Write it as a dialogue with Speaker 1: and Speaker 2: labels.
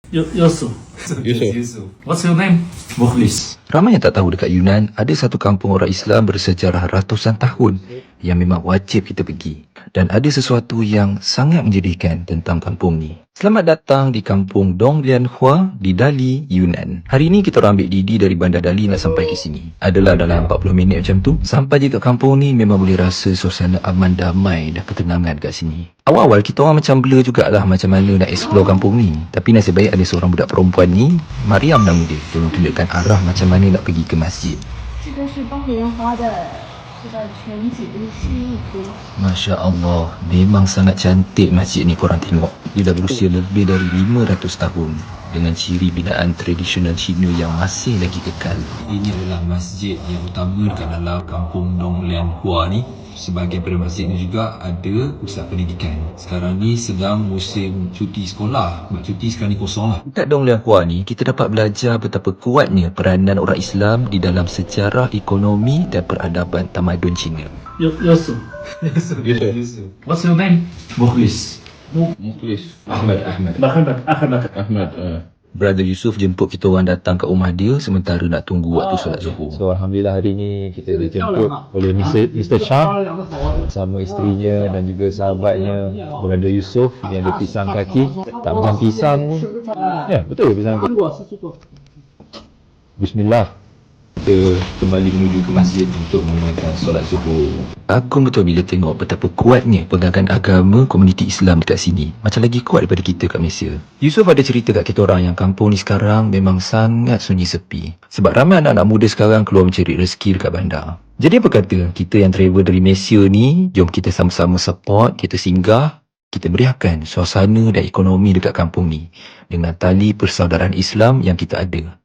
Speaker 1: Yusuf.
Speaker 2: Yusuf.
Speaker 1: What's your name? Mukhlis.
Speaker 3: Ramai yang tak tahu dekat Yunan ada satu kampung orang Islam bersejarah ratusan tahun yang memang wajib kita pergi. Dan ada sesuatu yang sangat menjadikan tentang kampung ni. Selamat datang di kampung Dong Lian Hua di Dali, Yunan. Hari ni kita orang ambil Didi dari Bandar Dali nak sampai ke sini. Adalah dalam 40 minit macam tu. Sampai je kat kampung ni memang boleh rasa suasana aman damai dan ketenangan kat sini. Awal-awal kita orang macam blur jugalah macam mana nak explore kampung ni. Tapi nasib baik ada seorang budak perempuan ni, Mariam nama dia, tolong tunjukkan arah macam mana nak pergi ke masjid.
Speaker 4: 这个是东莲花的这个全景西湖。
Speaker 3: Masya Allah, memang sangat cantik masjid ni korang tengok. Dia dah berusia lebih dari 500 tahun dengan ciri binaan tradisional Cina yang masih lagi kekal. Ini adalah masjid yang utama dekat dalam kampung Dong Lian Hua ni. Sebahagian pada masjid ni juga ada pusat pendidikan. Sekarang ni sedang musim cuti sekolah. Sebab cuti sekarang ni kosong lah. Dekat Dong Lian Hua ni, kita dapat belajar betapa kuatnya peranan orang Islam di dalam sejarah ekonomi dan peradaban tamadun Cina.
Speaker 1: Yusuf.
Speaker 2: Yusuf.
Speaker 1: What's your name? Mukhlis.
Speaker 2: Mukhlis. Ahmad.
Speaker 1: Ahmad.
Speaker 3: Brother Yusuf jemput kita orang datang ke rumah dia sementara nak tunggu waktu solat zuhur.
Speaker 2: So Alhamdulillah hari ni kita dijemput oleh Mr. Shah bersama isterinya dan juga sahabatnya Brother Yusuf yang ada pisang kaki. Tak macam pisang pun. Ya, betul pisang kaki. Bismillah.
Speaker 3: Kita kembali menuju ke masjid untuk menunaikan solat zuhur. Kagum betul bila tengok betapa kuatnya pegangan agama komuniti Islam dekat sini. Macam lagi kuat daripada kita kat Malaysia. Yusuf ada cerita kat kita orang yang kampung ni sekarang memang sangat sunyi sepi. Sebab ramai anak-anak muda sekarang keluar mencari rezeki dekat bandar. Jadi apa kata kita yang travel dari Malaysia ni, jom kita sama-sama support, kita singgah, kita meriahkan suasana dan ekonomi dekat kampung ni dengan tali persaudaraan Islam yang kita ada.